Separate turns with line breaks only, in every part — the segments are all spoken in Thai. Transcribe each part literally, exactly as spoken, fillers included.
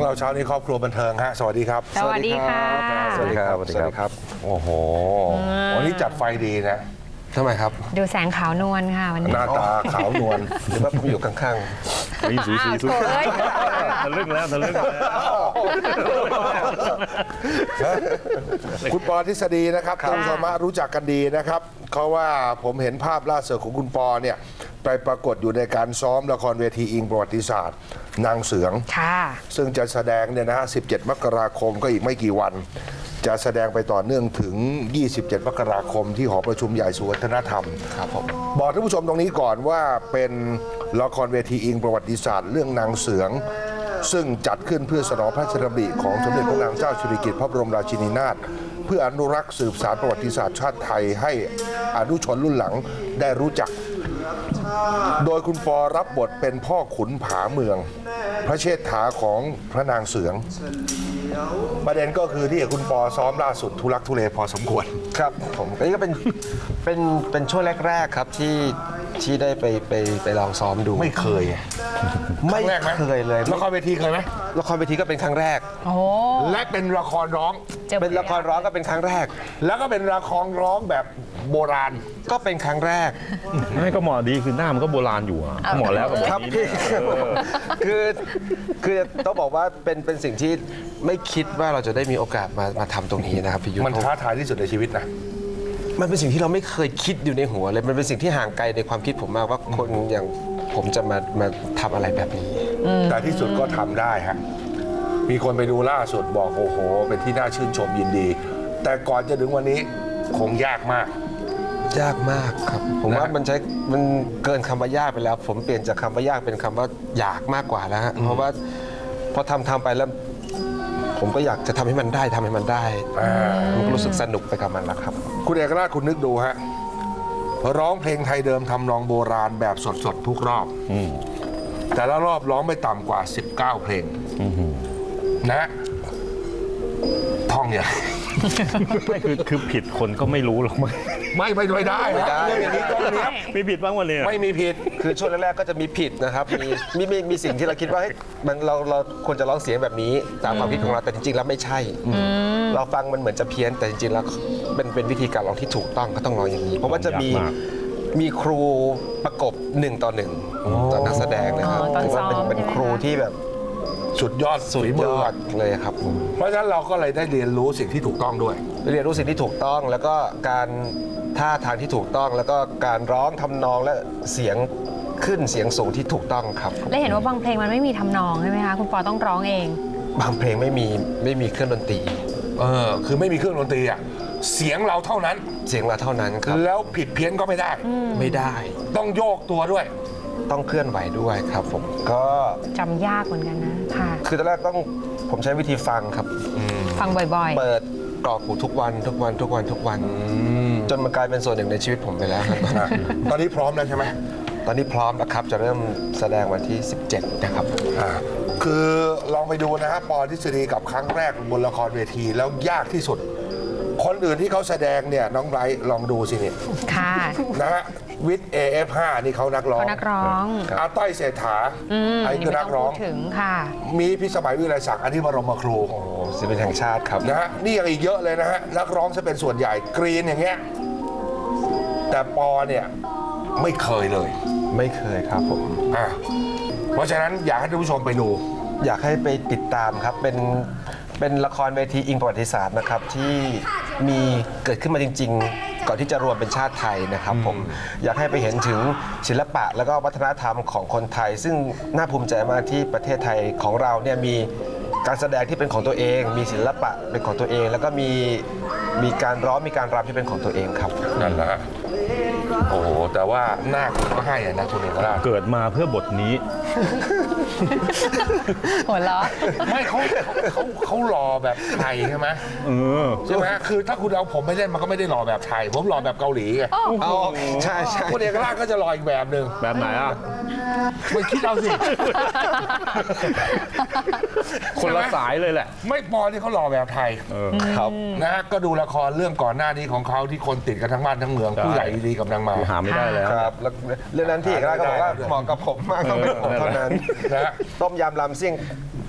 รื่องเราเช้านี้ครอบครัวบันเทิงฮะสวัสดีครับ
สวัสดีค่ะ
สวัสดีครับ สวัสดีครับ
โอ้โหวันนี้จัดไฟดีนะ
ทำไมครับ
ดูแสงขาวนวลค่ะวัน
ห
นี้
น้าตาขาวนวล
หรือว่าผมอยู่ข้าง
นี่สูสีสู
อ้าวโถ่เอ้ย
ทะลึ่งแล้วทะลึ่งแล้ว
คุณปอทฤษฎีนะครับท่านผู้ชมรู้จักกันดีนะครับเพราะว่าผมเห็นภาพล่าสุดของคุณปอเนี่ยไปปรากฏอยู่ในการซ้อมละครเวทีอิงประวัติศาสตร์ นางเสือง
ค่ะ
ซึ่งจะแสดงเนี่ยนะฮะสิบเจ็ดมกราคมก็อีกไม่กี่วัน จะแสดงไปต่อเนื่องถึงยี่สิบเจ็ดมกราคมที่หอประชุมใหญ่ศูนย์วัฒนธรรม
ๆ ครับผม
บอกท่านผู้ชมตรงนี้ก่อนว่าเป็นละครเวทีอิงประวัติศาสตร์เรื่องนางเสือง ซึ่งจัดขึ้นเพื่อสนองพระราชดำริของสมเด็จพระนางเจ้าสิริกิติ์พระบรมราชินีนาถเพื่ออนุรักษ์สืบสานประวัติศาสตร์ชาติไทยให้อนุชนรุ่นหลังได้รู้จัก โดยคุณปอรับบทเป็นพ่อขุนผาเมือง พระเชษฐาของพระนางเสือง ประเด็นก็คือที่คุณปอซ้อมล่าสุดทุลักทุเลพอสมควร
ครับผมอันนี้ก็เป็นเป็นเป็นช่วงแรก ๆ ครับที่ที่ได้ไปไปไปลองซ้อมดู
ไม่เคย
ไม่
ครั้งแรกไหม
เคยเลย
ละครเวทีเคยไหม
ละครเวทีก็เป็นครั้งแรก
โอ้
และเป็นละครร้อง
จอ
เป็นละครร้องก็เป็นครั้งแรก
แล้วก็เป็นละครร้องแบบโบราณ
ก็เป็นครั้งแรก
ไม่ก็เหมาะดีคือหน้ามันก็โบราณอยู่อะเหมาะแล้วกับแบบ
ครับ
นี้
พี่
เนี่ยเออ
คือคือต้องบอกว่าเป็นเป็นสิ่งที่ไม่คิดว่าเราจะได้มีโอกาสมามาทำตรงนี้นะครับพี่ยุทธ
มันท้าทายที่สุดในชีวิตนะ
มันเป็นสิ่งที่เราไม่เคยคิดอยู่ในหัวเลย มันเป็นสิ่งที่ห่างไกลในความคิดผมมากว่าคนอย่างผมจะมามาทำอะไรแบบนี้
แต่ที่สุดก็ทำได้ฮะ มีคนไปดูล่าสุดบอกโอ้โห เป็นที่น่าชื่นชมยินดี แต่ก่อนจะถึงวันนี้คงยากมาก
ยากมากครับ ผมว่ามันใช้มันเกินคำว่ายากไปแล้ว ผมเปลี่ยนจากคำว่ายากเป็นคำว่าอยากมากกว่าแล้วฮะเพราะว่าพอทำทำไปแล้ว ผมก็อยากจะทำให้มันได้ทำให้มันได้
อ่า
มันก็รู้สึกสนุกไปกับมันแล้วครับ
คุณเอกราชคุณนึกดูฮะ ร้องเพลงไทยเดิมทำนองโบราณแบบสดๆ ทุกรอบ
อืม
แต่ละรอบร้องไม่ต่ำกว่า สิบเก้า เพลง
อืม
นะท่องเนี่ย
ไม่คือคือผิดคนก็ไม่รู้หรอกมั้ง
ไม่ไม่ไม่ได้
ไม่ได้
เรื่องอย่างนี้ต้องเนี้ยบ
มีผิดบ้างวันนี้
ไม่มีผิด
คือช่วงแรกๆก็จะมีผิดนะครับ มีมีมีมีสิ่งที่เราคิดว่าเฮ้ยมันเราเราควรจะร้องเสียงแบบนี้ตามความคิดของเราแต่จริงๆแล้วไม่ใช่ เราฟังมันเหมือนจะเพี้ยนแต่จริงๆแล้วเป็นเป็นวิธีการร้องที่ถูกต้องก็ต้องร้องอย่างนี้ เพราะว่าจะมีมีครูประกบหนึ่งต่อหนึ่งต่อนักแสดงนะครับ
อ๋อตอน
ถือว่าเป็น
ซ้อม
เป็น
ใช่ไหม
ครูที่แบบ
สุดยอด
สุด
ฝี
ย
มื
อดเลยครับผม
เพราะฉะนั้นเราก็เลยได้เรียนรู้สิ่งที่ถูกต้องด้วย
เรียนรู้สิ่งที่ถูกต้องแล้วก็การท่าทางที่ถูกต้อง แล้วก็การร้องทำนองและเสียงขึ้นเสียงสูงที่ถูกต้องครับ
และเห็นว่าบางเพลงมันไม่มีทำนองใช่ไหมคะคุณปอต้องร้องเอง
บางเพลงไม่มีไม่มีเครื่องดนตรี
เออ คือไม่มีเครื่องดนตรีอ่ะ เสียงเราเท่านั้น
เสียงเราเท่านั้นครับ
แล้วผิดเพี้ยนก็ไม่ได้
ไม่ได้
ต้องโยกตัวด้วย
ต้องเคลื่อนไหวด้วยครับผมก็
จำยากเหมือนกันนะค่ะ
คือตอนแรกต้องผมใช้วิธีฟังครับ
ฟังบ่อย
เปิดกรอกหูทุกวันทุกวันทุกวันทุกวันจนมันกลายเป็นส่วนหนึ่งในชีวิตผมไปแล้วครับ
อ่ะตอนนี้พร้อมแล้วใช่ไหม
ตอนนี้พร้อมแล้วครับจะเริ่มแสดงวันที่ สิบเจ็ด นะครับ
อ่าคือลองไปดูนะฮะปอทฤษฎีกับครั้งแรกบนละครเวทีแล้วยากที่สุด คนอื่นที่เขาแสดงเนี่ยน้องไบรท์ลองดูสิเนี่ย
ๆ ค่ะ
นะฮะวิทย์ เอ เอฟ ห้า นี่เขานักร้อง
เขานักร้อง
อาต้อยเศรษฐา
อืม
ไอ้คือนักร้อง
ไม่ต้พูดถึงค่ะ
มีพิสมัยวิไลศักดิ์อันที่บรมครู
โอ้ศิลปินแห่งชาติครับ
นะฮะนี่ยังอีกเยอะเลยนะฮะนักร้องจะเป็นส่วนใหญ่กรีนอย่างเงี้ยแต่ปอเนี่ยไม่เคยเลย
ไม่เคยครับผม
อ่ะเพราะฉะนั้นอยากให้ท่านผู้ชมไปดู
อยากให้ไปติดตามครับ เป็นเป็นละครเวทีอิงประวัติศาสตร์นะครับที่มีเกิดขึ้นมาจริง ๆ ก่อนที่จะรวมเป็นชาติไทยนะครับผมอยากให้ไปเห็นถึงศิลปะแล้วก็วัฒนธรรมของคนไทย ซึ่งน่าภูมิใจมากที่ประเทศไทยของเราเนี่ยมีการแสดงที่เป็นของตัวเอง มีศิลปะเป็นของตัวเอง แล้วก็มีมีการร้องมีการรำที่เป็นของตัวเองครับ
นั่นแหละฮะโอ้โห แต่ว่าหน้าคุณก็ให้อะนะคุณเอกราช
เกิดมาเพื่อบทนี้
หัวเราะ
ไม่เขาเขาเขาหล่อแบบไทยใช่ไหม
เออ
ใช่ไหมคือถ้าคุณเอาผมไม่เล่นมันก็ไม่ได้หล่อแบบไทย ผมหล่อแบบเกาหลีไง
เอาใช่ใช่
คุณเอกราชก็จะหล่ออีกแบบหนึ่ง
แบบไหนอ่ะ
ไม่คิดเอาสิ
คนละสายเลยแหละ
ไม่ปอที่เขาหล่อแบบไทย
เออ
ครับ
นะฮะก็ดูละครเรื่องก่อนหน้านี้ของเขาที่คนติดกันทั้งบ้านทั้งเมือง
ใช่
ผู้ใหญ่ดีกับนางมา
หาไม่ได้แล้ว
ครับแล้วเรื่องนั้นพี่เอกราชก็บอกว่าเหมาะกับผมมากต้องเป็นผมเท่านั้น
นะฮะ
ต้มยำลำซิ่ง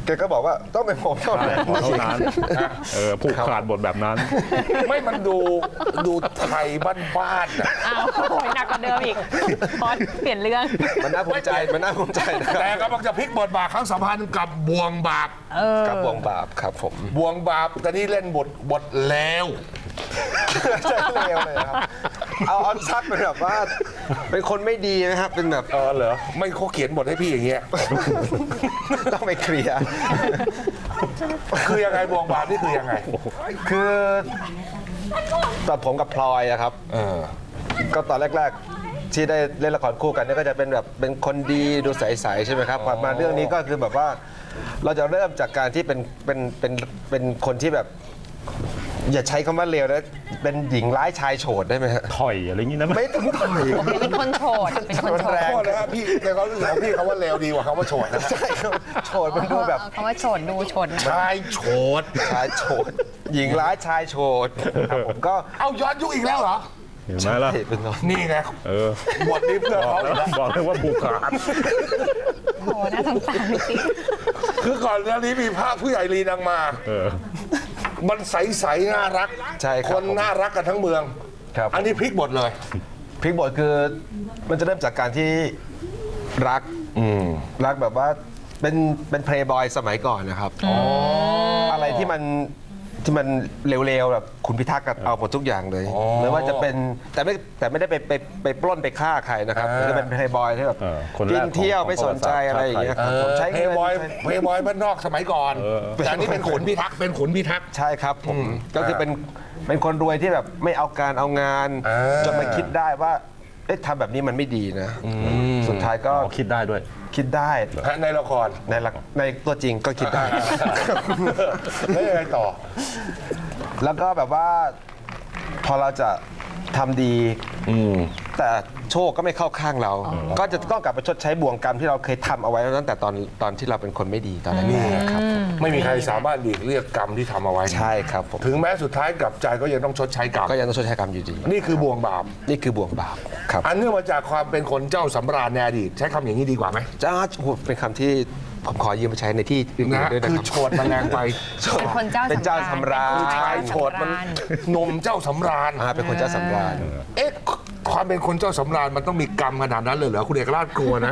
แกก็บอกว่าต้องเป็นผมเท่า
ใช่
นั้น
ขอเท่านั้นเออผูกขาดบทแบบนั้น
ไม่มันดูดูไทยบ้านๆนะ
อ้าวโอ้ยหนักกว่าเดิมอีกพอเปลี่ยนเรื่อง
มันน่าภูมิใจมันน่าภูมิใจนะค
แต่
รับ
กำลังจะพลิกบทบาทครั้งสำคัญกับบวงบาป
เออ
กับบวงบาปครับผม
บวงบาปแต่นี่เล่นบทบทแล้ว
ใช่เลวเลยครับเอาออนซัดเป็นแบบว่าเป็นคนไม่ดีนะครับเป็นแบบ
เออเหรอไม่เขาเขียนบทให้พี่อย่างเงี้ย
ต้องไปเคลียร์
คือยังไงบวงบาปนี่คือยังไง
คือตอนผมกับพลอยอะครับ
เออ
ก็ตอนแรก ๆ ที่ได้เล่นละครคู่กันเนี่ยก็จะเป็นแบบเป็นคนดีดูใสๆใช่ไหมครับมาเรื่องนี้ก็คือแบบว่า เราจะเริ่มจากการที่เป็นเป็นเป็นเป็นคนที่แบบ อย่าใช้คำว่าเลวนะเป็นหญิงร้ายชายโฉดได้ไหมฮะ
ถอยอะไรอย่างนี้นะ
ไม่ต้องถอย
เป็นคนโฉดเป็นคนโฉด
แรง
โทษนะฮะพี่ในความรู้สึกของพี่คำว่าเลวดีกว่าคำว่าโฉดนะ
ใช่ครับโฉดมันดูแบบ
เอาคำว่าโฉดดูโฉดนะ
ชายโฉด
ชายโฉดหญิงร้ายชายโฉดครับผมก็
เอาย้อนยุคอีกแล้วเหรอ
เห็นไหมล่ะ
เป็นน้อง
นี่ไง
เออบ
ทนี้เพื่อ
บอก
เขา
แล้วบอกเลยว่าผูกขาด
โอ้โหน่าสงสารจริง
คือก่อนหน้านี้มีภาพผู้ใหญ่ลีนางมา
เออ
มันใสๆน่ารัก
ใช่ครับ
คนน่ารักกันทั้งเมือง
ครับ
อันนี้พลิกบทเลย
พลิกบทคือมันจะเริ่มจากการที่รักรักแบบว่าเป็นเป็นเพลย์บอยสมัยก่อนนะครับอะไรที่มันที่มันเร็วๆแบบคุณพิทักษ์ก็เอาหมดทุกอย่างเลยไม่ว่าจะเป็นแต่ไม่แต่ไม่ได้ไปไปไปปล้นไปฆ่าใครนะครับ
อ่า
จะเป็นเพลย์บอยที่แบบ
เออคนแรก
กินเที่ยว
ของ
ไม่สนใจ
ของ
อะไรอย่างเงี้ยครับ
เอ
ผม
อ
ใช้
เพ
เงิ
ย์
น
บอยเพย์บอยบ้านนอกสมัยก่อน
เออ
แต่อันนี้เป็นขุนพิทักษ์เป็นขุนพิทักษ์
ใช่ครับผมก็คือเป็นเป็นคนรวยที่แบบไม่เอาการเอางาน
อ่า
จนมาคิดได้ว่าเอ๊ะทำแบบนี้มันไม่ดีนะสุดท้ายก็
อ๋อคิดได้ด้วย
คิดได้
ในละคร
ในหลักในตัวจริงก็คิดได้
แล้วยังไงต่อ
แล้วก็แบบว่าพอเราจะทำดีแต่โชคก็ไม่เข้าข้างเรา ก็จะต้องกลับไปชดใช้บ่วงกรรมที่เราเคยทำเอาไว้ตั้งแต่ตอนตอนที่เราเป็นคนไม่ดีตอนแรกๆครับ
ไม่มีใครสามารถหลีกเลี่ยงกรรมที่ทำเอาไว้
ใช่ครับผม
ถึงแม้สุดท้ายกลับใจก็ยังต้องชดใช้กรรม
ก็ยังต้องชดใช้กรรมอยู่ดี
นี่คือบ่วงบาป
นี่คือบ่วงบาปครับ
อันเนื่องมาจากความเป็นคนเจ้าสำราญในอดีตใช้คำอย่างนี้ดีกว่าไหม
จ้าโอ้โหเป็นคำที่ผมขอยืมไปใช้ในที่อื่
นะ
นๆด้วยนะ
คือ
ครับ
โฉดมันแรงไป
ๆเป็นคนเจ้า
เป็นเจ้าสำราญ
เป็น
ชายโฉดมันหนมเจ้าสำราญ
อ่าเป็นคนเจ้าสำราญ
เอ๊ะความเป็นคนเจ้าสำราญมันต้องมีกรรมขนาดนั้นเลยเหรอคุณเอกราชกลัวนะ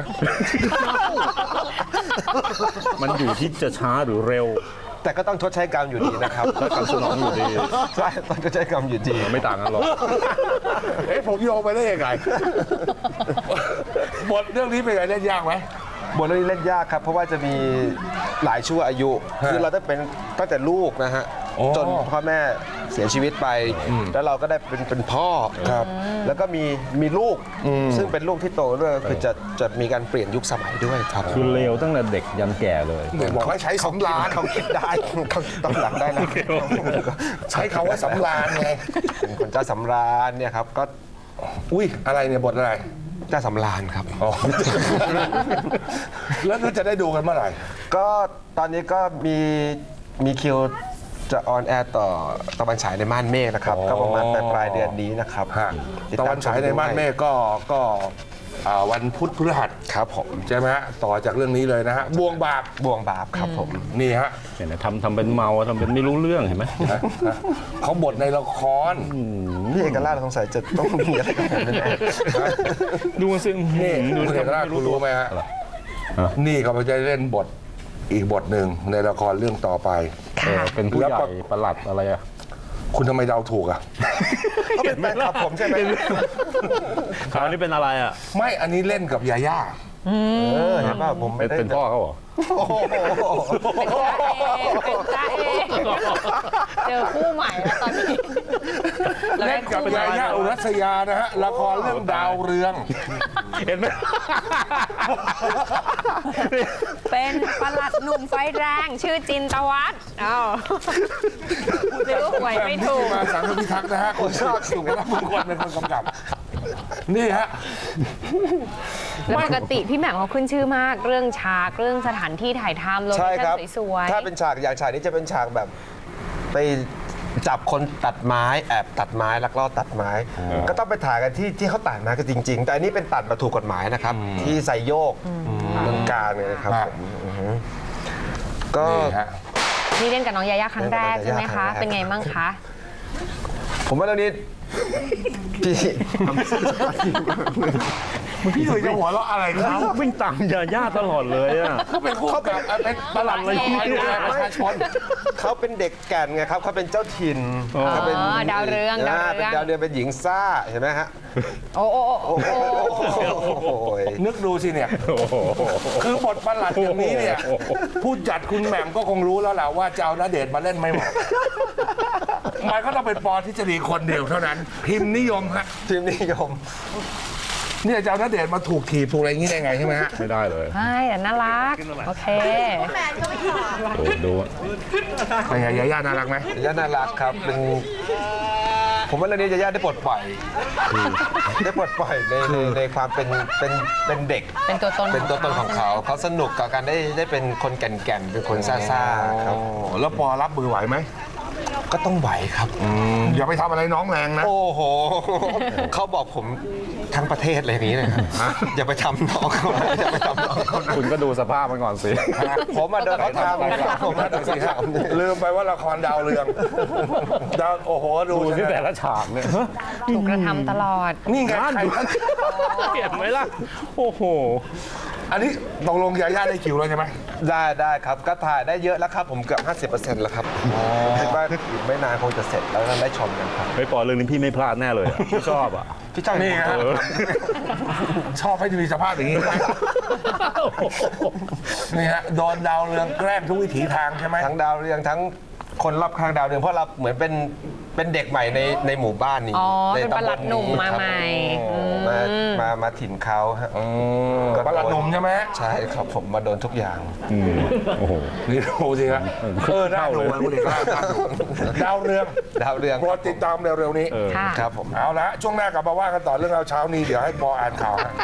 มันอยู่ที่จะช้าหรือเร็ว
แต่ก็ต้องชดใช้กรรมอยู่ดีนะครับ
แล้วกรรมสนองอยู่ดี
ใช่ต้องชดใช้กรรมอยู่ดี
ไม่ต่างกันหรอก
เอ๊ะผมโยงไปได้ยังไง บทเรื่องนี้เป็นไงเล่นยากไหม
บทเรื่องนี้เล่นยากครับ เพราะว่าจะมีหลายชั่วอายุ คือเราต้องเป็นตั้งแต่ลูกนะฮะ
โอ้
จนพ่อแม่เสียชีวิตไป แล้วเราก็ได้เป็นเป็นพ่อครับ แล้วก็มีมีลูก ซึ่งเป็นลูกที่โตด้วยคือจะจะมีการเปลี่ยนยุคสมัยด้วยครับ
คือเร็วตั้งแต่เด็กยันแก่เลย
บอกให้ใช้สำราญ
เขาคิดได้เขาคิดตอนหลังได้นะ
ใช้คำว่าสำราญไง
เป็นคนเจ้าสำราญเนี่ยครับก็
อุ้ยอะไรเนี่ยบทอะไร
เจ้าสำราญครับ
อ๋อ แล้วเราจะได้ดูกันเมื่อไหร่
ก็ตอนนี้ก็มีมีคิวจะออนแอร์ต่อตะวันฉายในม่านเมฆนะครับ
อ๋อ
ก็ประมาณปลายปลายเดือนนี้นะครับ
ฮะ
ติด
ตะ
ม
วันฉายในม่านเมฆก็ก็อ่าวันพุธพฤหัส
ครับผม
ใช่ไหมฮะต่อจากเรื่องนี้เลยนะฮะบ่วงบาป
บ่วงบาปครับผม
นี่ฮะ
เห็นไหมทำทำเป็นเมาทำเป็นไม่รู้เรื่องเห็นไหม
เขาบทในละคร
พี่เอกราชสงสัยจะต้องมีอะไรกับผมแน่
ดูมันสิ
นี่
ดู
คุณเอกราชคุณรู้ไหมฮะนี่เขาจะเล่นบทอีกบทหนึ่งในละครเรื่องต่อไป
เออเป็นผู้ให
แล้
ญ่
วก็
ประหลัดอะไรอะ
คุณทำไมเดาถูกอ่ะ
ๆเขาเป็นแฟนคลับผมใช่ไหม
คราวนี้เป็นอะไรอะ
ไม่อันนี้เล่นกับยาย่า
เออเห็นป่ะผม
เป็น
ไม่ได้
เป็นพ่อเขาเหรอ
โอ้โห
เป็นจ้าเอเป็นจ้าเอเจอคู่ใหม่แล้วตอนนี้รา
เล่
ได้
นกับ
คู่ใหม่
ยาย่าอุรัสยานะฮะละครเรื่องดาวเรือง
เห็นไหม
เป็นปลัดหนุ่มไฟแรงชื่อจินตวัฒน์อ้าวซื้อหวยไม่ถูก
มาสังคพิทักษ์นะฮะคนชอบสุขและมงคลเป็นคนกำกับ นี่ฮะ
แล้วปกติพี่แหม่มเขาขึ้นชื่อมากเรื่องฉากเรื่องสถานที่ถ่ายทำโลเค
ใช่ค
ชั่
รับ
นสวยๆ
ถ้าเป็นฉากอย่างฉากนี้จะเป็นฉากแบบไปจับคนตัดไม้แอบตัดไม้ลักลอบตัดไม้ ก็ต้องไปถ่ายกันที่ที่เขาตัดไม้กันจริง ๆ แต่อันนี้เป็นตัดแบบถูกกฎหมายนะครับ ที่ไซโยกเมืองการเนี่ยนะครับ
ครับ
ผมอือฮึก็
นี่ฮะ
นี่เล่นกับน้องยาย่าครั้งแรก
เล่นกับน้อง
ใช่ไหม
ยาย่า
คะ
ครั้งแรก
เป็นไงบ้างคะ
ผมว่าเรื่องนี้พี่
พี่หนุ่ยจะหัวเราะอะไรครับ
วิ่งตามยาย่าตลอดเลยอ่ะ
เขาเป็นคู่กับเอ่อเป็นประหลัดอะไรที่ดูแลประชาชน
เขาเป็นเด็กแก่นไงครับเขาเป็นเจ้าถิ่น
อ๋อ
เขาเป็น
ดาวเรืองดาวเรือง
เป็นดาวเรืองเป็นหญิงซ่าเห็นไหมฮะ
โอ้โอ้โอ้โอ้
โอ้โห
นึกดูสิเนี่ย คือบทประหลัดอย่างนี้เนี่ย ผู้จัดคุณแหม่มก็คงรู้แล้วแหละว่าจะเอาณเดชน์มาเล่นไม่เหมาะมันก็ต้องเป็นปอทฤษฎีคนเดียวเท่านั้น พิมพ์นิยมฮะ
ทีมนิยม
เนี่ยจะเอาณเดชน์มาถูกถีบถูกอะไรอย่างนี้ได้ไงใช่ไหมฮะ
ไม่ได้เลย
ใช่แต่น่ารัก โอเค
โอ้ดู
เป็นไงยาย่าน่ารักไหม
ยาย่าน่ารักครับเป็นผมว่าเรื่องนี้ยาย่าได้ปลดปล่อยได้ปลดปล่อยในในในความเป็นเป็นเป็นเด็ก
เป็นตัวตน
เป็นตัวตนของเขาเขาสนุกกับการได้ได้เป็นคนแก่นๆเป็นคนซ่าๆครับ
โอ้แล้วปอรับมือไหวไหม
ก็ต้องไหวครับ
อย่าไปทำอะไรน้องแรงนะ
โอ้โห เขาบอกผมทั้งประเทศเลยอย่างนี้เลยครับอย่าไปทำน้องเขานะอย่าไปทำน้องเขานะ
คุณก็ดูสภาพมันก่อนสิ
ผมมาโดนเขาทำผมมาโดนเขาทำ
ลืมไปว่าละครดาวเรืองดาวโอ้โหดู
ดูที่
สิ
แต่ละฉากเนี่ย
ถูกกระทำตลอด
นี่ไง
นั่น
ใคร
เห็นไหมล่ะ โอ้โห
อันนี้ตกลงยาย่าได้คิวแล้วใช่ไหม
ได้ได้ครับก็ถ่ายได้เยอะแล้วครับ ผมเกือบ ห้าสิบเปอร์เซ็นต์ แล้วครับคิดว่าอีกไม่นานคงจะเสร็จแล้วก็ได้ชมกันครับ
ไม่ปอเรื่องนี้พี่ไม่พลาดแน่เลยอะพี่ชอบอ่ะ
พี่จ้อย
นี่ฮะ
ผม
ชอบให้มีสภาพอย่างนี้นะนี่ฮะโดนดาวเรืองแกล้งทุกวิถีทางใช่ไหม
ทั้งดาวเรืองทั้งคนรอบข้างดาวเรืองเพราะเราเหมือนเป็นเป็นเด็กใหม่ในในหมู่บ้านนี้
อ๋อ
ใน
เป็นประหลัดหนุ่มมาใหม่
มามามาถิ่นเขาฮะ
ประหลัดหนุ่มใช่ไหม
ใช่ครับผมมาโดนทุกอย่าง
อืมโอ้โห
นี่ดูสิครับเออน่าดูนะคุณเอกน่าดูดาวเรือง
ดาวเรือง
โปรดติดตามเร็วๆนี้
เออ
ค่ะ
ครับผม
เอาละช่วงหน้ากลับมาว่ากันต่อเรื่องเราวเช้านี้เดี๋ยวให้ปออ่านข่าวฮะ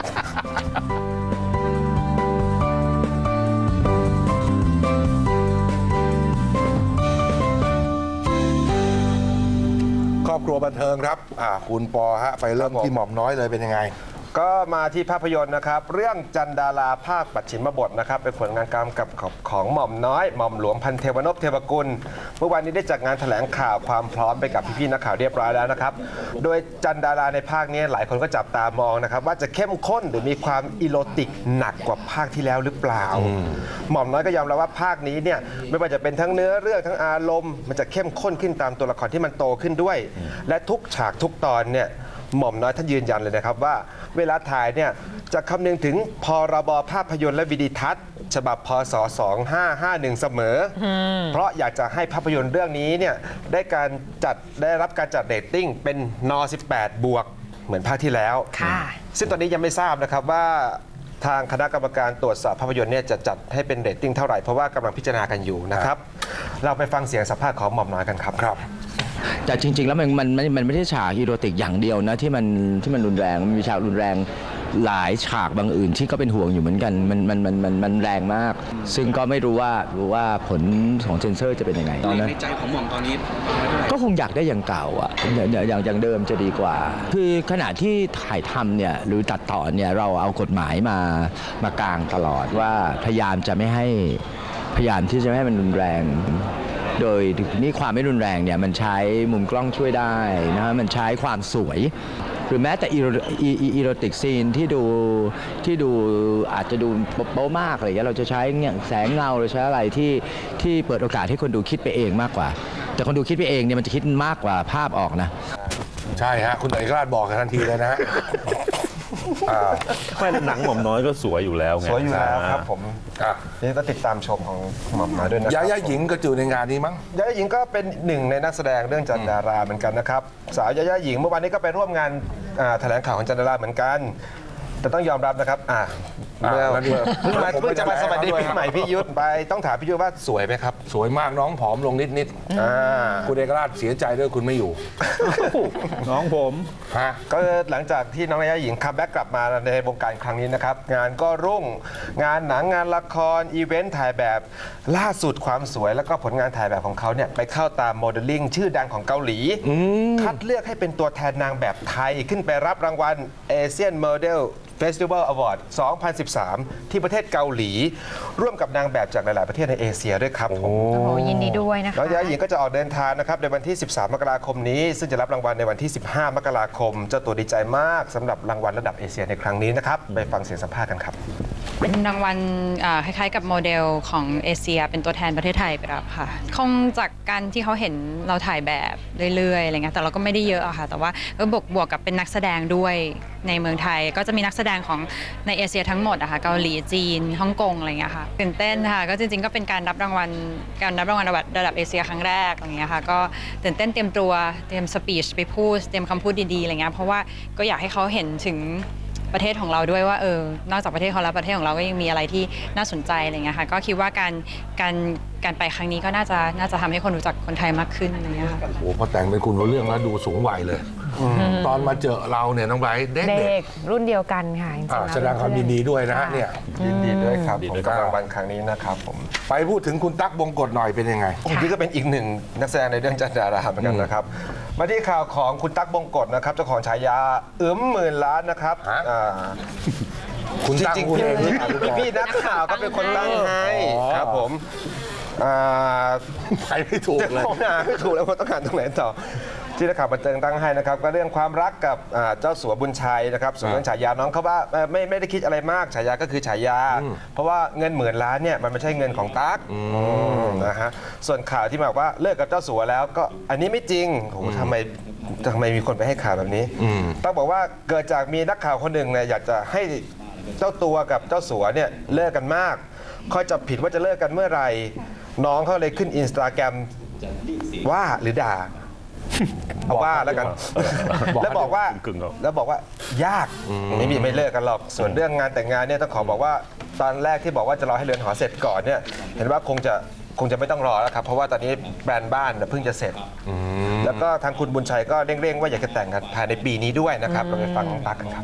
ครอบครัวบันเทิงครับอ่าคุณปอฮะไปเริ่มที่หม่อมน้อยเลยเป็นยังไง
ก็มาที่ภาพยนตร์นะครับ เรื่องจันดาราภาคปัจฉิมบทนะครับเป็นผลงานกำกับของหม่อมน้อยหม่อมหลวงพันเทวนพเทวกุลเมื่อวานนี้ได้จัดงานแถลงข่าวความพร้อมไปกับพี่ๆนักข่าวเรียบร้อยแล้วนะครับโดยจันดาราในภาคนี้หลายคนก็จับตามองนะครับว่าจะเข้มข้นหรือมีความอีโรติกหนักกว่าภาคที่แล้วหรือเปล่า หม่อมน้อยก็ยอมรับว่าภาคนี้เนี่ยไม่ว่าจะเป็นทั้งเนื้อเรื่องทั้งอารมณ์มันจะเข้มข้นขึ้นตามตัวละครที่มันโตขึ้นด้วย และทุกฉากทุกตอนเนี่ยหม่อมน้อยท่านยืนยันเลยนะครับว่าเวลาถ่ายเนี่ยจะคำนึงถึงพรบภาพยนตร์และวิดีทัศน์ ฉบับพศสองห้าห้าหนึ่งเสมอ เพราะอยากจะให้ภาพยนตร์เรื่องนี้เนี่ยได้การจัดได้รับการจัดเรตติ้งเป็นนสิบแปดบวกเหมือนภาคที่แล้ว
ค่ะ
ซึ่งตอนนี้ยังไม่ทราบนะครับว่าทางคณะกรรมการตรวจสอบภาพยนตร์เนี่ยจะจัดให้เป็นเรตติ้งเท่าไหร่เพราะว่ากำลังพิจารณากันอยู่นะครับ เราไปฟังเสียงสัมภาษณ์ของหม่อมน้อยกันครับ
ครับ
แต่จริง ๆ แล้วมันมันมันมันไม่ใช่ฉากอีโรติกอย่างเดียวนะที่มันที่มันรุนแรงมันมีฉากรุนแรงหลายฉากบางอื่นที่ก็เป็นห่วงอยู่เหมือนกันมันมันมันมันมันแรงมาก ซึ่งก็ไม่รู้ว่ารู้ว่าผลของเซนเซอร์จะเป็นยังไงตอนนั้น
ในใจของหม่อมตอนนี้
ก็คงอยากได้อย่างเก่าอ่ะอย่างอย่างอย่างอย่างเดิมจะดีกว่า คือขณะที่ถ่ายทำเนี่ยหรือตัดต่อเนี่ยเราเอากฎหมายมามากางตลอดว่าพยายามจะไม่ให้พยายามที่จะไม่ให้มันรุนแรง โดยนี่ความไม่รุนแรงเนี่ยมันใช้มุมกล้องช่วยได้นะฮะมันใช้ความสวย หรือแม้แต่อีโรอีอีอีโรติกซีนที่ดูที่ดูอาจจะดูโป๊ะมากอะไรอย่างเงี้ยเราจะใช้เนี่ยแสงเงาหรือใช้อะไรที่ที่เปิดโอกาสให้คนดูคิดไปเองมากกว่า แต่คนดูคิดไปเองเนี่ยมันจะคิดมากกว่าภาพออกนะ
ใช่ฮะคุณเอกราชบอกกันทันทีเลยนะฮะอ่า
ไม่หนังหม่อมน้อยก็สวยอยู่แล้วไง
สวยอยู่แล้วครับผม
อ่ะ
นี่ก็ติดตามชมของหม่อมน้อยด้วยนะค
ยา
รับ
ย่าหญิงก็อยู่ในงานนี้มั้ง
ยาย่าหญิงก็เป็นหนึ่งในนักแสดงเรื่องจันดาราเหมือนกันนะครับสาวยาย่าหญิงเมื่อวานนี้ก็ไปร่วมงานอ่าแถลงข่าวของจันดาราเหมือนกัน แต่ต้องยอมรับนะครับอ่า
อ่ะ
เมื่อ
แล้วนี่
เพิ่งมา
ผม
เพิ่งจะมา
ไม่ได้
สวัสดี
ด้วย
ปี
ครับ
ใหม่พี่ยุทธไปต้องถามพี่ยุทธว่าสวยไหมครับ
สวยมากน้องผอมลงนิดนิดๆ
อ่า
คุณเอกราชเสียใจด้วยคุณไม่อยู่
น้องผม
ฮะ
ก็หลังจากที่น้องยาย่าหญิงคัมแบ็กกลับมาในวงการครั้งนี้นะครับงานก็รุ่งงานหนังงานละครอีเวนต์ถ่ายแบบล่าสุดความสวยแล้วก็ผลงานถ่ายแบบของเขาเนี่ยไปเข้าตามโมเดลลิ่งชื่อดังของเกาหลี คัดเลือกให้เป็นตัวแทนนางแบบไทยขึ้นไปรับรางวัล Asian Model Festival Award สองพันสิบสาม ที่ประเทศเกาหลี ร่วมกับนางแบบจากหลาย ๆ ประเทศในเอเชียด้วยครับผม
โอ้โหยินดีด้วยนะคะ
น้องยาหญิงก็จะออกเดินทางนะครับในวันที่ สิบสาม มกราคมนี้ ซึ่งจะรับรางวัลในวันที่ สิบห้า มกราคม เจ้าตัวดีใจมากสำหรับรางวัลระดับเอเชียในครั้งนี้นะครับไปฟังเสียงสัมภาษณ์กันครับ
เป็นรางวัลอ่าคล้ายๆกับโมเดลของเอเชียเป็นตัวแทนประเทศไทยไปรับค่ะ คงจากการที่เขาเห็นเราถ่ายแบบเรื่อยๆอะไรเงี้ยแต่เราก็ไม่ได้เยอะอะค่ะ แต่ว่าก็บวกบวกกับเป็นนักแสดงด้วยในเมืองไทย ก็จะมีนักแสดงของในเอเชียทั้งหมดอะค่ะเกาหลีจีนฮ่องกงอะไรเงี้ยค่ะตื่นเต้นค่ะก็จริงๆก็เป็นการรับรางวัลการรับรางวัลระดับเอเชียครั้งแรกอะไรเงี้ยค่ะก็ตื่นเต้นเตรียมตัวเตรียมสปีชไปพูดเตรียมคำพูดดีๆอะไรเงี้ยเพราะว่าก็อยากให้เขาเห็นถึงประเทศของเราด้วยว่าเออนอกจากประเทศเขาแล้วประเทศของเราก็ยังมีอะไรที่น่าสนใจอะไรเงี้ยค่ะก็คิดว่าการการการไปครั้งนี้ก็น่าจะน่าจะทำให้คนรู้จักคนไทยมากขึ้นอะไรเงี้ยค่ะ
โอ้โหพอแต่งเป็นคุณรู้เรื่องแล้วดูสูงวัยเลย ตอนมาเจอเราเนี่ยน้องไบรท์เด็ก
เด็กรุ่นเดียวกันค่ะจริงๆ
อ่า
แล้ว
แสดงความยินดีด้วยนะฮะเนี่ย
ยินดีด้วยครับ
ยิน
ผ
ดี
ม
ด้วย
กับรางวัลครั้งนี้นะครับผม
ไปพูดถึงคุณตั๊กบงกฎหน่อยเป็นยังไง
โอ้นี่ก็เป็นอีกหนึ่งนักแสดงในเรื่องจันดาราเหมือนกันนะครับ มาที่ข่าวของคุณตั๊กบงกฎนะครับเจ้าของฉายาอึมหมื่นล้านนะครับ
ฮะ
อ่า
คุณ
จ
ตั๊ก
ริง
คุณ
ๆ
เองหรือ
พี่
เปล่าคุณปอ
พี่นักข่าวก็เป็นคนตั้งให้
อ๋อ
ครับผมอ่า
ไปไม่ถูกเลย
ผมหาไม่ถูกแล้วว่าต้องการตรงไหนต่อที่นักข่าวบันเทิงตั้งให้นะครับก็เรื่องความรักกับอ่าเจ้าสัวบุญชัยนะครับส่วนเรื่องฉายาน้องเขาว่าเอ่อไม่ไม่ได้คิดอะไรมากฉายาก็คือฉายา เพราะว่าเงินหมื่นล้านเนี่ยมันไม่ใช่เงินของตั๊กนะฮะส่วนข่าวที่บอกว่าเลิกกับเจ้าสัวแล้วก็อันนี้ไม่จริงโอ้โหทำไมทำไมมีคนไปให้ข่าวแบบนี้ตั๊กบอกว่าเกิดจากมีนักข่าวคนหนึ่งเนี่ยอยากจะให้เจ้าตัวกับเจ้าสัวเนี่ยเลิกกันมากคอยจับผิดว่าจะเลิกกันเมื่อไหร่น้องเขาเลยขึ้นอินสตาแกรมว่าหรือด่า เอาว่าแล้วกัน
บอกให้
แล้วบอกว่า
กึ่งๆเอา
แล้วบอกว่ายากไม่มีไม่เลิกกันหรอก ส่วนเรื่องงานแต่งงานเนี่ยต้องขอบอกว่าตอนแรกที่บอกว่าจะรอให้เรือนหอเสร็จก่อนเนี่ยเห็นว่าคงจะคงจะไม่ต้องรอแล้วครับเพราะว่าตอนนี้แบรนด์บ้านเพิ่งจะเสร็จแล้วก็ทางคุณบุญชัยก็เร่งๆว่าอยากจะแต่งกันภายในปีนี้ด้วยนะครับเราไปฟังน้องตั๊กกันครับ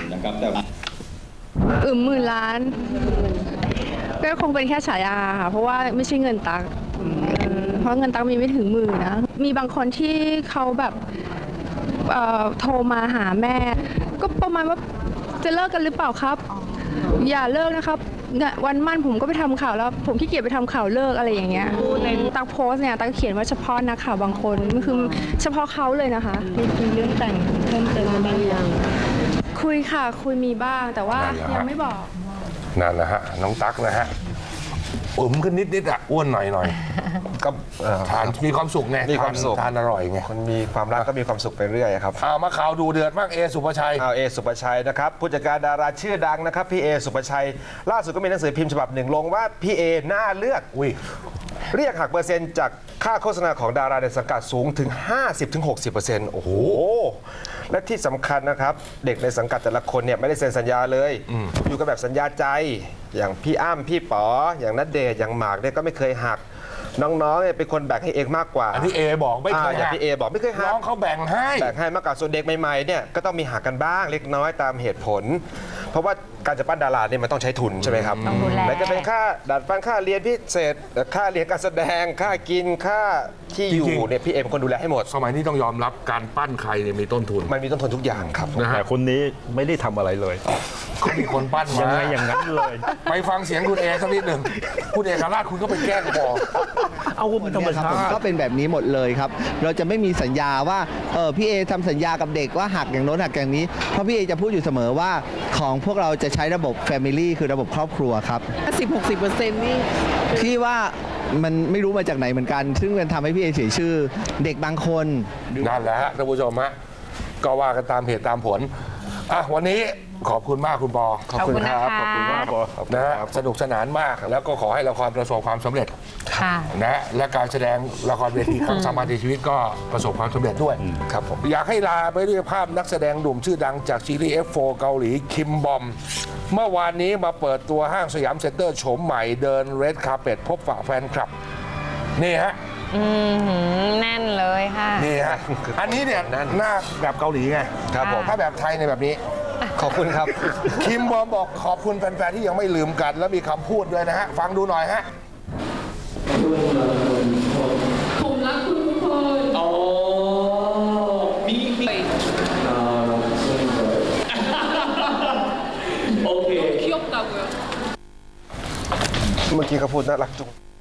อึมหมื่นล้านก็คงเป็นแค่ฉายาค่ะเพราะว่าไม่ใช่เงินตักเพราะเงินตักมีไม่ถึงหมื่นนะมีบางคนที่เขาแบบเอ่อโทรมาหาแม่ ก็ประมาณว่าจะเลิกกันหรือเปล่าครับ อย่าเลิกนะครับเนี่ยวันมั่นผมก็ไปทำข่าวแล้ว ผมขี้เกียจไปทำข่าวเลิกอะไรอย่างเงี้ยในตักโพสต์เนี่ยตักเขียนว่าเฉพาะนักข่าวบางคนคือเฉพาะเขาเลยนะคะมีคุยเรื่องแต่งเพิ่มเติมบ้างยังคุยค่ะคุยมีบ้างแต่ว่า
นั่นแหละฮะ
ยังไม่บอก
นั่นนะฮะน้องตั๊กนะฮะอุ่มขึ้นนิดนิดๆอ่ะอ้วนหน่อยหน่อย
ก็เอ่อ
ทานมีความสุขไง
มีความสุข
ทานอร่อยไง
คนมีความรักก็มีความสุขไปเรื่อยครับ
เอามาข่าวดูเดือดมากเอสุภชัย
เอาเอสุปชัยนะครับผู้จัดการดาราชื่อดังนะครับพี่เอสุปชัย ล่าสุดก็มีหนังสือพิมพ์ฉบับหนึ่งลงว่าพี่เอน่าเลือก
อุ้ย
เรียกหักเปอร์เซ็นต์จากค่าโฆษณาของดาราในสังกัดสูงถึง ห้าสิบถึงหกสิบเปอร์เซ็นต์ โอ้โห และที่สำคัญนะครับ เด็กในสังกัดแต่ละคนเนี่ยไม่ได้เซ็นสัญญาเลย อยู่กันแบบสัญญาใจ อย่างพี่อ้ำพี่ป๋อ อย่างณเดชน์อย่างหมากเนี่ยก็ไม่เคยหัก น้องๆเนี่ยเป็นคนแบ่งให้เองมากกว่า
อันนี้เอบอกไม่เคย
อ่าอย่างพี่เอบอกไม่เคยหั
น้
ก
องเขาแบ่งให้
แบ่งให้มากกว่าส่วนเด็กใหม่ๆเนี่ยก็ต้องมีหักกันบ้างเล็กน้อยตามเหตุผล เพราะว่าการจะปั้นดาราเนี่ยมันต้องใช้ทุนใช่ไหมครับ
ต้องดูแล
แล้วก็เป็นค่าดัดฟันค่าเรียนพิเศษค่าเรียนการแสดงค่ากินค่าที่อยู่
จริงๆ
เนี่ยพี่เอเป็นคนดูแลให้หมด
สมัยนี้ต้องยอมรับการปั้นใครเนี่ยมีต้นทุน
มันมีต้นทุนทุกอย่างครับ
นะฮะ
แต่คนนี้ไม่ได้ทำอะไรเลย
เขามีคนปั้นมา
ยังไงอย่างนั้นเลย
ไปฟังเสียงคุณเอสักนิดหนึ่งคุณเอกราชคุณก็ไปแกล้งบอก
เอาว่าเป็นธรรมชา
ผม
ติ
ก็เป็นแบบนี้หมดเลยครับ เราจะไม่มีสัญญาว่าเออพี่เอทำสัญญากับเด็กว่าหักอย่างโน้นหักอย่างนี้ เพราะพี่เอจะพูดอยู่เสมอว่าของพวกเราจะใช้ระบบ Family คือระบบครอบครัวครับ
สิบหกสิบเปอร์เซ็นต์นี่
พี่ว่ามันไม่รู้มาจากไหนเหมือนกัน ซึ่งมันทำให้พี่เอเสียชื่อเด็กบางคน
นั่นแหละฮะท่านผู้ชมฮะก็ว่ากันตามเหตุตามผลอ่ะวันนี้ขอบคุณมากคุณปอ
ขอบคุณนะคะ
ขอบคุณมากปอ
นะฮะสนุกสนานมากแล้วก็ขอให้ละครประสบความสำเร็จ
ค่ะ
นะฮะและการแสดงละครเวทีครั้งสำคัญในชีวิตก็ประสบความสำเร็จด้วย
ครับผม
อยากให้ลาไปด้วยภาพนักแสดงหนุ่มชื่อดังจากซีรีส์ เอฟ โฟร์ เกาหลีคิมบอม เมื่อวานนี้มาเปิดตัวห้างสยามเซ็นเตอร์โฉมใหม่เดินเรดคาร์เปตพบปะแฟนคลับ นี่ฮะ
อือหือแน่นเลยค่ะ
นี่ฮะ อันนี้เนี่ยหน้าแบบเกาหลีไง
ครับผม
ถ้าแบบไทยในยแบบนี้
ขอบคุณครับ
คิมบอมบอกขอบคุณแฟนๆที่ยังไม่ลืมกัน แล้วมีคำพูดด้วยนะฮะ ฟังดูหน่อยฮะ
ผมรักคุณทุกคนอ๋อมีมี
เมื่อกี้เขาพูดน่ารักจุง